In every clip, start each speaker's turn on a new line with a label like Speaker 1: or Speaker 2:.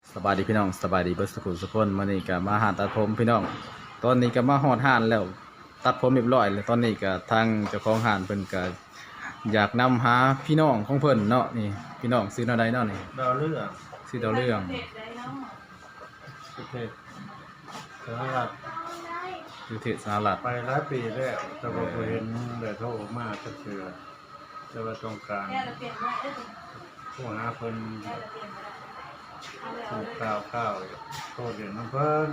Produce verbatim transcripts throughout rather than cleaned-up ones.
Speaker 1: สบายดีพี่น้องสบายดีเบิร์สกุลสุกคนมานี่ก็มาหาตัดผมพี่น้องตอนนี้ก็มาหอดห่านแล้วตัดผมเรียบร้อยแล้วตอนนี้ก็ทางเจ้าของห่านเพิ่นก็อยากนำหาพี่น้องของเพิ่นเนาะนี่พี่น้องซื้อแนวใดเนาะนี่
Speaker 2: ดาวเรื่อง
Speaker 1: ซื้อดาวเรื่อง
Speaker 2: ประเทศสหรัฐ
Speaker 1: อยู่ที่สหรัฐ
Speaker 2: ไปหลายปีแล้วแต่ว่าบ่เห็นได้โทรมาสักเทื่อแต่ว่าต้องการผู้หาเพิ่นถูกข่าวข่าวโทรเรียนน้ำเพิ่น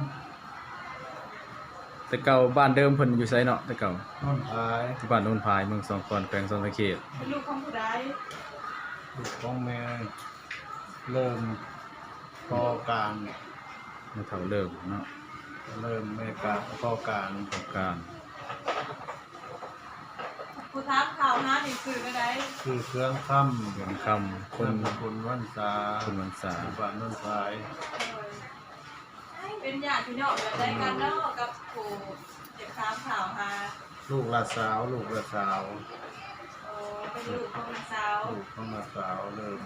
Speaker 1: แต่เก่าบ้านเดิมเพิ่นอยู่ไสเนาะแต่เก่า
Speaker 2: น้นพาย
Speaker 1: ที่บ้านโนนพายเมืองสองคอนแขวงสวรรณเขต
Speaker 3: เป็นลูกของผู้ใด
Speaker 2: ลูกของแม่เริ่มก่อการ
Speaker 1: มาเฒ่าเริ่มเนาะ
Speaker 2: เริ่มแม่กาก่อการ
Speaker 1: ประการ
Speaker 3: ผู้ทักข่าวหาหนังสือก็ได้
Speaker 2: คือเครื่องค่ำ
Speaker 1: เรื่องคำค
Speaker 2: คน นคนวันษา
Speaker 1: คนวันษา
Speaker 2: บ้านน้นพาย
Speaker 3: เป็นญาติพี่น้องกันได้กันเนาะกับผู้เจ็บค้ามข่าวหา
Speaker 2: ลูกละสาวลูกละสาว
Speaker 3: โอ้เป็นลูกของสาว
Speaker 2: ลูกของละสาวเริ่ม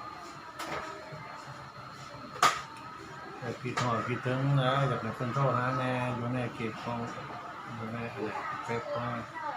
Speaker 2: แต่คิดหอดคิดถึงนะอยากให้เพิ่นโทรหาแน่อยู่ในเขตของอยู่ในอะไรเฟซของ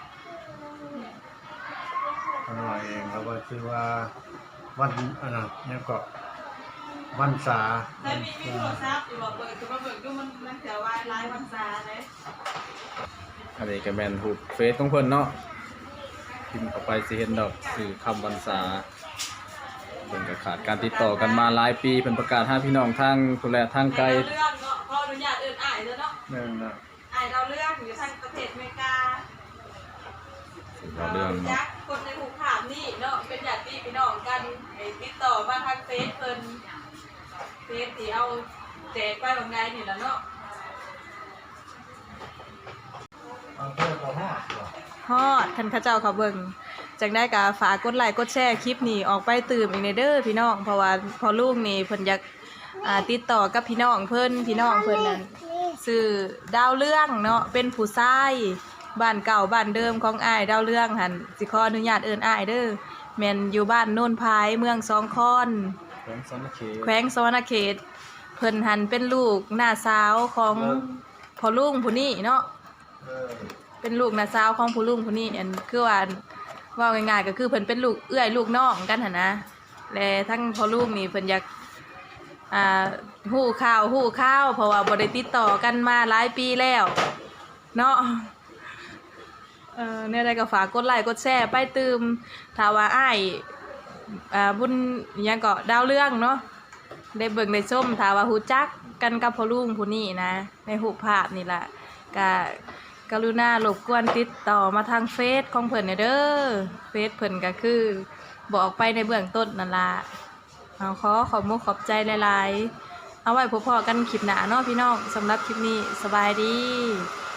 Speaker 2: คนหน่อยเองเขาก็ชื่อว่าวันอันนั้นเนี่ยก็วันษา
Speaker 3: แต่มีมีโทรศัพท์อยู่บอกเบิกคือว่าเบิกดูมันมันเสียวายไลฟ์วันซาเลย
Speaker 1: อันนี้ก็แม่นรูปเฟซของเพิ่นเนาะพิมพ์เข้าไปสิเห็นดอกสื่อคำวันษาเพิ่นก็ขาดการติดต่อกันมาหลายปีเพิ่นประกาศหาพี่น้องทางพุ่นแหละทางไกล
Speaker 3: เรื่องเนาะพออนุญาตเอิ้นอ้ายเด้อเนาะ
Speaker 1: แม่นน่ะ
Speaker 3: อ้ายเราเรื่องอยู่ทางประเทศอเมริกา
Speaker 1: สื่อเราเรื่อง
Speaker 3: จั
Speaker 1: เนาะ
Speaker 3: กคนในหูขามนี่เนาะเป็นญาติพี่น้องกันให้ติดต่อมาทางเฟซเพิ่นเฟซที่เอาแจกไปบางไงนี่ล่ะเนาะ
Speaker 2: เอาเพิ่นก็ฮอดบ่
Speaker 3: ฮอดท่านข้าเจ้าเขาเบิ่งจังได้ก็ฝากกดไลค์กดแชร์คลิปนี้ออกไปตื่มอีกในเด้อพี่น้องเพราะว่าพอลูกนี่เพิ่นอยากอ่าติดต่อกับพี่น้องเพิ่นพี่น้องเพิ่นนั่นชื่อดาวเรื่องเนาะเป็นผู้ชายบ้านเก่าบ้านเดิมของอ้ายดาวเรื่องหั่นสิขออนุญาตเอิ้นอ้ายเด้อแม่นอยู่บ้านโน่นพายเมืองสองคอน
Speaker 1: แขวงสวรรณเขต
Speaker 3: แขวงสวรรณเขตเพิ่นหันเป็นลูกน้าสาวของพ่อลุงผู้นี้เนาะ
Speaker 2: เออ
Speaker 3: เป็นลูกน้าสาวของผู้ลุงผู้นี้อันคือว่าว่าง่ายๆก็คือเพิ่นเป็นลูกเอื้อยลูกน้องกันหั่นนะและทั้งพ่อลุงนี่เพิ่นอยากอ่าฮู้ข่าวฮู้ข่าวเพราะว่าบ่ได้ติดต่อกันมาหลายปีแล้วเนาะเออเนี่ยได้ก็ฝากกดไลค์กดแชร์ไปตื่มถ้าว่าอ้ายอ่าบุญอิหยังก็ดาวเรื่องเนาะได้เบิ่งได้ชมถ้าว่าฮู้จักกันกับพ่อลุงผู้นี้นะในรูปภาพนี่ล่ะก็กรุณารบกวนติดต่อมาทางเฟซของเพิ่นเด้อเฟซเพิ่นก็คือบอกไปในเบื้องต้นนั่นล่ะเอาขอขอบมุกขอบใจหลายๆเอาไว้พบพอกันคลิปหน้าเนาะพี่น้องสำหรับคลิปนี้สบายดี